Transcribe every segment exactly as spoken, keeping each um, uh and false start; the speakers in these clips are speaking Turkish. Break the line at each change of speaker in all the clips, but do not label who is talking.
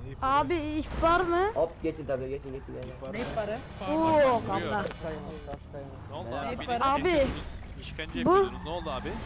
Abi ihbar mı?
Hop geçin tabii geçin geçin. geçin.
Ne ihbarı?
Oo kaptan.
Ne oldu abi?
Ne
Beni
abi?
kesiyorsunuz, İşkence
Bu-
yapıyordunuz. Ne oldu abi?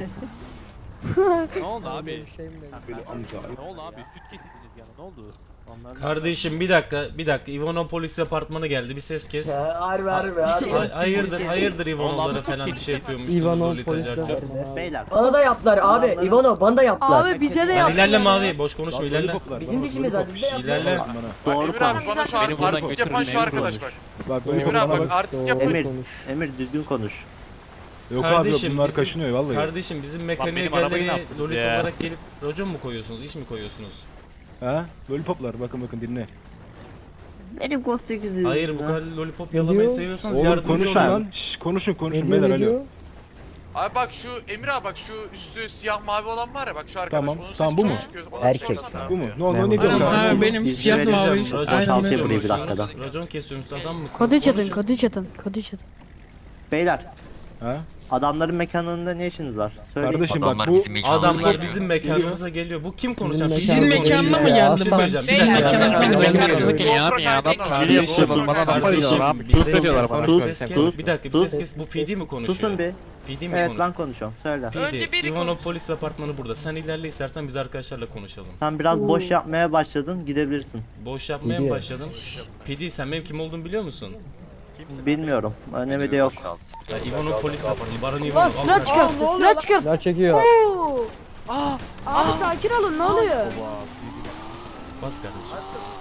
Ne oldu abi?
Böyle amca.
Ne oldu abi? Süt kesildiniz yani. Ne oldu?
Kardeşim bir dakika, bir dakika. Ivano polis departmanı geldi. Bir ses kes.
Ha, harbi harbi harbi.
Hay- hayırdır, hayırdır Ivano'lara falan bir şey yapıyormuş.
Ivano
Lolita
polis
Carcar.
departmanı.
Beyler.
Bana da yaptılar abi. Ivano bana da yaptılar.
Abi bize de
Lan
yaptılar.
ilerle mavi, boş konuşma ilerle.
Bizim dişimiz var biz de yaptılar.
İlerle.
Bak
Doğru
Emir abi
konuş.
bana şu an
Beni buradan
artist yapan şu
götürün,
arkadaş bak.
Bak
Emir abi bak artist yapan.
Emir, Emir düzgün konuş.
Yok
Kardeşim,
abi bunlar
bizim-
kaşınıyor vallahi.
Kardeşim bizim mekaniğe
benim arabayı ne
geleni
yaptınız
Lolita
ya?
olarak gelip racon mu koyuyorsunuz, iş mi koyuyorsunuz?
Ha? Lollipoplar bakın bakın dinle.
Benim kod sekiz.
Hayır bu kadar lollipop
Ne
yalamayı
diyor?
seviyorsanız
Oğlum
yardımcı
konuşun
olun.
lan. Şş, konuşun konuşun
Ne diyor
beyler
ne
alo.
diyor?
Abi bak şu Emir abi bak şu üstü siyah mavi olan var ya bak şu arkadaş.
Tamam,
Onun sesi
tamam, bu
çok
mu?
çıkıyor. Ona bir şey
Erkek.
olsana.
Bu mu? Ne oldu ne
Memur.
diyor
Aynen,
lan?
aynen.
benim
İzin
siyah
vereceğim.
mavi.
Racon
Aynen.
Tavsiye
kesiyorsunuz.
burayı bir dakikada.
Racon kesiyorsunuz adam mısınız?
Kodu çatın,
Konuşun.
kodu çatın, kodu çatın.
Beyler.
Ha?
Adamların mekanında ne işiniz var? Söyleyin.
Kardeşim
Adamlar
bak bu
bizim mekanımıza
Adamlar
geliyor.
bizim mekanımıza geliyor. Bu kim konuşan?
Bizim
Bizim
mekanımıza
konuşuyor.
mı
Bir şey
geldi?
söyleyeceğim. Bir
Beyler,
dakika.
mekanımıza
Bir dakika.
mekanımıza
Bir dakika.
geliyor
abi ya, adam
Kardeşim,
yapıyorlar, bana laf
kardeşim,
ediyorlar
bir ses
ediyorlar
kes,
bana.
bir
Sus,
ses kes.
sus,
Bir dakika, bir
sus.
ses kes. Bu P D mi konuşuyor?
Susun bir.
P D mi
Evet
konuşuyor?
ben konuşuyorum. Söyle.
P D, Ivano polis apartmanı burada. Sen ilerle istersen biz arkadaşlarla konuşalım.
Sen biraz boş yapmaya başladın. Gidebilirsin.
Boş yapmaya
P
mı
D.
başladın? P D sen benim kim olduğumu biliyor musun?
Bilmiyorum. Önemi de yok.
Ya Ivano polis apartmanı. Baran
Lan
Ivano.
silah çıkarttı, silah çıkarttı.
Silah çekiyor.
Oo. Abi sakin olun, ne oluyor?
Bas kardeşim.